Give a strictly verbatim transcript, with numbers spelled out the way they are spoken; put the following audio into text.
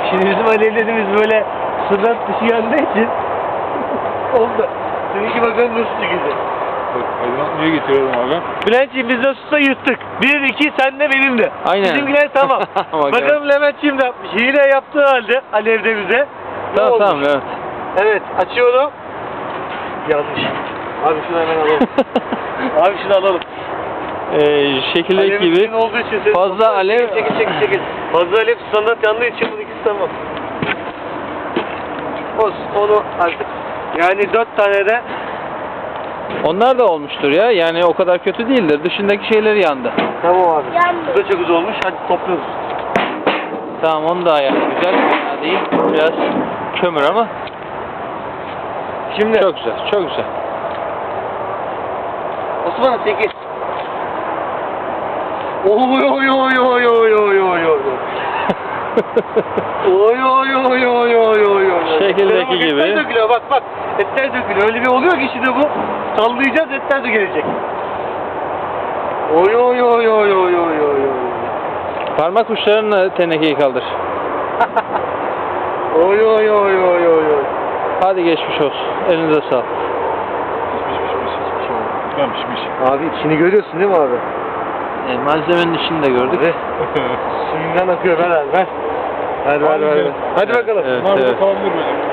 Şimdi bizim alevlerimiz böyle sınır dışı yandığı için oldu. Seninki bakalım nasıl çıkacak. Aydınlatmaya getiriyorum abi. Bülent'ciğim biz nasılsa yuttuk. Bir, iki, sen de benim de. Aynen. Bizimkiler tamam. Bakalım Levent'ciğim de yapmış. Hile yaptığı halde alevde bize. Tamam Ne tamam olmuş? evet. Evet, açıyorum. Yanlış. Abi şunu hemen alalım. Abi şunu alalım. Ee, şekildeki Alevin gibi için olduğu için sen- fazla alev Çekil çekil çekil. Fazla alev standart yandığı için bu ikisi tamam. Olsun onu artık yani dört tane de onlar da olmuştur ya. Yani o kadar kötü değildir. Dışındaki şeyleri yandı. tamam abi. Yandı. Bu da çok güzel olmuş. Hadi topluyoruz. Tamam onu da ayar güzel. Fena değil. Biraz kömür ama Şimdi çok güzel. Çok güzel. Osman'ım sekiz. Oy oy oy oy oy oy oy oy. Oy oy oy oy oy oy oy. Şekildeki Bak, gibi. Etler dökülüyor bak bak. Etler dökülüyor. Öyle bir oluyor ki şimdi bu. Sallayacağız etler dökülecek. Oy oy oy oy oy oy oy oy. Parmak uçlarınla tenekeyi kaldır. Oy oy oy oy oy oy. Hadi geçmiş olsun. Elinize sağlık. Pişmiş pişmiş hiçbir şey olmadı. Ben pişmiş. Abi içini görüyorsun değil mi abi? E, malzemenin içini de gördük. Abi, suyundan akıyor ver ver ver. Ver ver ver. ver. Hadi Evet, bakalım. evet, Bunlar burada evet. kalabilir böyle.